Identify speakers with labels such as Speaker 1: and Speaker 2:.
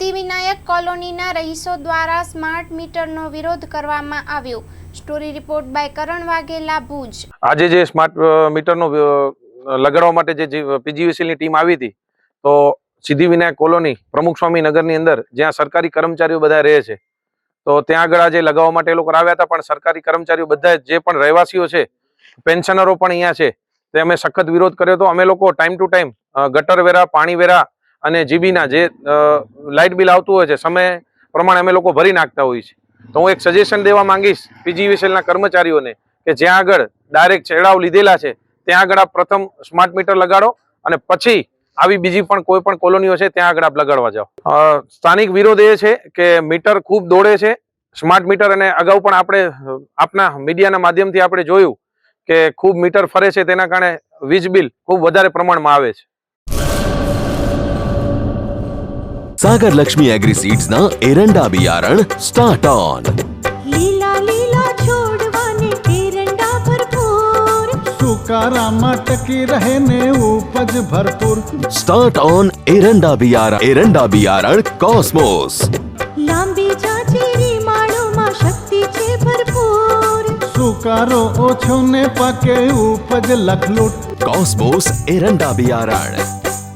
Speaker 1: સિદ્ધિવિનાયક કોલોનીના રહીશો દ્વારા સ્માર્ટ મીટરનો વિરોધ કરવામાં આવ્યો। Story report by Karan Vaghela, Bhuj.
Speaker 2: આજે જે સ્માર્ટ મીટરનો લગાડવા માટે જે પીજીવીસીએલની ટીમ આવી હતી, તો સિદ્ધિવિનાયક કોલોની પ્રમુખ સ્વામી નગરની અંદર જ્યાં સરકારી કર્મચારીઓ બધા રહે છે, તો ત્યાં આગળ આજે લગાવવા માટે એ લોકો આવ્યા હતા। પણ સરકારી કર્મચારીઓ બધા જે પણ રહેવાસીઓ છે, પેન્શનરો પણ અહીંયા છે, તે અમે સખત વિરોધ કર્યો હતો। અમે લોકો ટાઈમ ટુ ટાઈમ ગટર વેરા, પાણી વેરા અને જીબીના જે લાઇટ બિલ આવતું હોય છે, સમય પ્રમાણે અમે લોકો ભરી નાખતા હોઈએ છીએ। તો હું એક સજેશન દેવા માંગીશ પીજીવીસીએલના કર્મચારીઓને કે જ્યાં આગળ ડાયરેક્ટ છેડાવ લીધેલા છે ત્યાં આગળ આપ પ્રથમ સ્માર્ટ મીટર લગાડો અને પછી આવી બીજી પણ કોઈ પણ કોલોનીઓ છે ત્યાં આગળ આપ લગાડવા જાઓ। સ્થાનિક વિરોધ એ છે કે મીટર ખૂબ દોડે છે, સ્માર્ટ મીટર, અને અગાઉ પણ આપણે આપના મીડિયાના માધ્યમથી આપણે જોયું કે ખૂબ મીટર ફરે છે, તેના કારણે વીજ બિલ ખૂબ વધારે પ્રમાણમાં આવે છે।
Speaker 3: सागर लक्ष्मी एग्री सीड्स ना एरंडा बियारण स्टार्ट ऑन।
Speaker 4: लीला लीला छोड़वाने एरंडा भरपूर, सुकारामा टकी रहे ने उपज भरपूर।
Speaker 3: स्टार्ट ऑन एरंडा बियारण कॉस्मोस।
Speaker 4: लांबी जाचेरी माळोमां शक्ति छे भरपूर, सुकारो ओछो ने पाके उपज लखलूट।
Speaker 3: कॉस्मोस एरंडा बियारण।